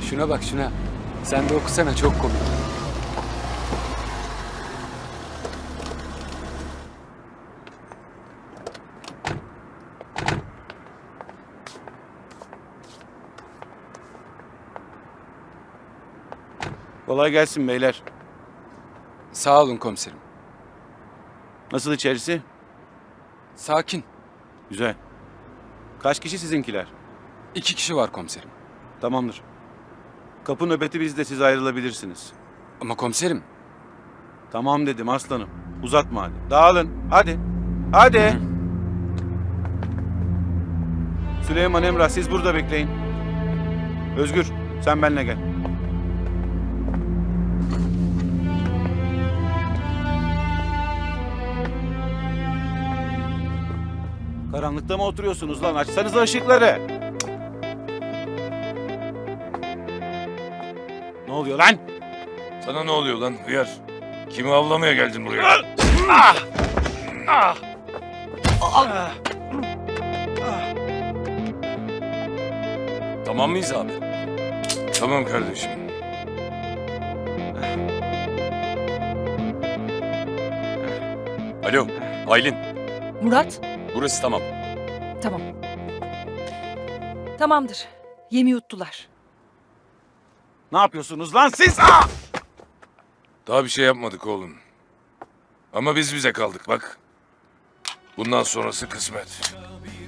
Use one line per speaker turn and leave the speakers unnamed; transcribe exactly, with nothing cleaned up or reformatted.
Şuna bak şuna. Sen de okusana, çok komik.
Kolay gelsin beyler.
Sağ olun komiserim.
Nasıl içerisi?
Sakin.
Güzel. Kaç kişi sizinkiler?
İki kişi var komiserim.
Tamamdır. Kapı nöbeti bizde, siz ayrılabilirsiniz.
Ama komiserim.
Tamam dedim aslanım. Uzatma hadi. Dağılın. Hadi. Hadi. Süleyman, Emrah, siz burada bekleyin. Özgür, sen benimle gel. Karanlıkta mı oturuyorsunuz lan? Açsanıza ışıkları. Ne oluyor lan?
Sana ne oluyor lan hıyar? Kimi avlamaya geldin buraya?
Ah! Ah! Ah!
Tamam mıyız abi? Tamam kardeşim. Alo, Aylin.
Murat,
Burası tamam.
tamam. Tamamdır. Yemi yuttular.
Ne yapıyorsunuz lan siz? Ah!
Daha bir şey yapmadık oğlum. Ama biz bize kaldık bak. Bundan sonrası kısmet.